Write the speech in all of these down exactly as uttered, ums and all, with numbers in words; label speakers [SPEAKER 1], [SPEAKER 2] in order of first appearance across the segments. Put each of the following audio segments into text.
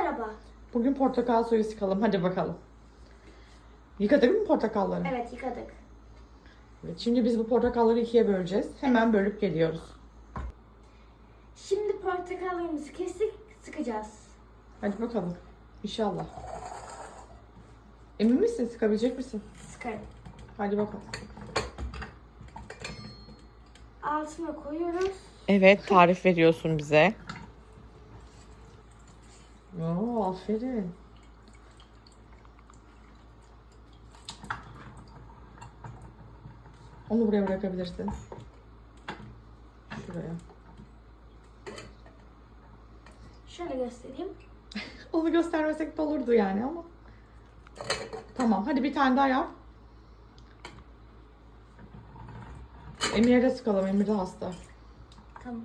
[SPEAKER 1] Merhaba.
[SPEAKER 2] Bugün portakal suyu sıkalım. Hadi bakalım. Yıkadık mı portakalları?
[SPEAKER 1] Evet, yıkadık.
[SPEAKER 2] Evet, şimdi biz bu portakalları ikiye böleceğiz. Hemen bölüp geliyoruz.
[SPEAKER 1] Şimdi portakallarımızı kestik, sıkacağız.
[SPEAKER 2] Hadi bakalım. İnşallah. Emin misin? Sıkabilecek misin?
[SPEAKER 1] Sıkarım.
[SPEAKER 2] Hadi bakalım.
[SPEAKER 1] Altına koyuyoruz.
[SPEAKER 2] Evet, tarif veriyorsun bize. Oo, aferin. Onu buraya bırakabilirsin. Şuraya.
[SPEAKER 1] Şöyle göstereyim.
[SPEAKER 2] Onu göstermesek de olurdu yani ama. Tamam, hadi bir tane daha yap. Emir'e de sıkalım. Emir de hasta.
[SPEAKER 1] Tamam.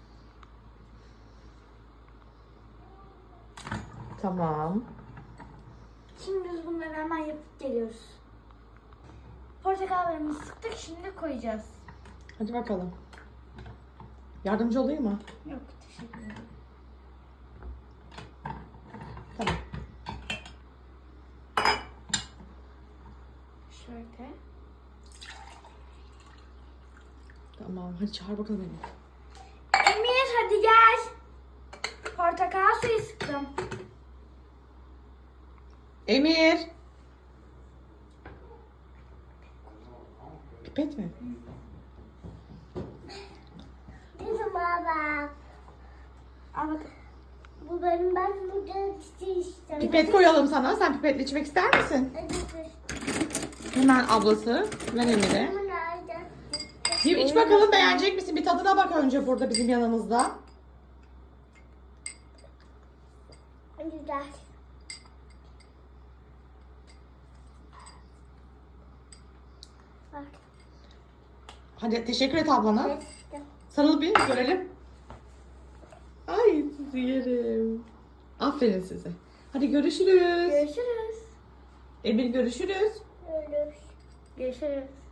[SPEAKER 2] Tamam.
[SPEAKER 1] Şimdi biz bunları hemen yapıp geliyoruz. Portakallarımızı sıktık, şimdi koyacağız.
[SPEAKER 2] Hadi bakalım. Yardımcı olayım mı?
[SPEAKER 1] Yok, teşekkür ederim.
[SPEAKER 2] Tamam.
[SPEAKER 1] Şöyle.
[SPEAKER 2] Tamam. Hadi çağır bakalım Emir.
[SPEAKER 1] Emir hadi gel. Portakal suyu sıktım.
[SPEAKER 2] Emir. Pipet mi?
[SPEAKER 3] Bizim baba.
[SPEAKER 1] Al bak.
[SPEAKER 3] Bu benim ben burada işte.
[SPEAKER 2] Pipet koyalım sana. Sen pipetle içmek ister misin? Hemen ablası. Ver Emir'e. Bir iç bakalım, beğenecek misin? Bir tadına bak önce burada bizim yanımızda.
[SPEAKER 3] Güzel. Bak.
[SPEAKER 2] Hadi teşekkür et ablana.
[SPEAKER 3] Evet.
[SPEAKER 2] Sarıl bir görelim. Ay sizi yerim. Aferin size. Hadi görüşürüz.
[SPEAKER 1] Görüşürüz.
[SPEAKER 2] Emir görüşürüz.
[SPEAKER 3] Görüşürüz.
[SPEAKER 1] Görüşürüz.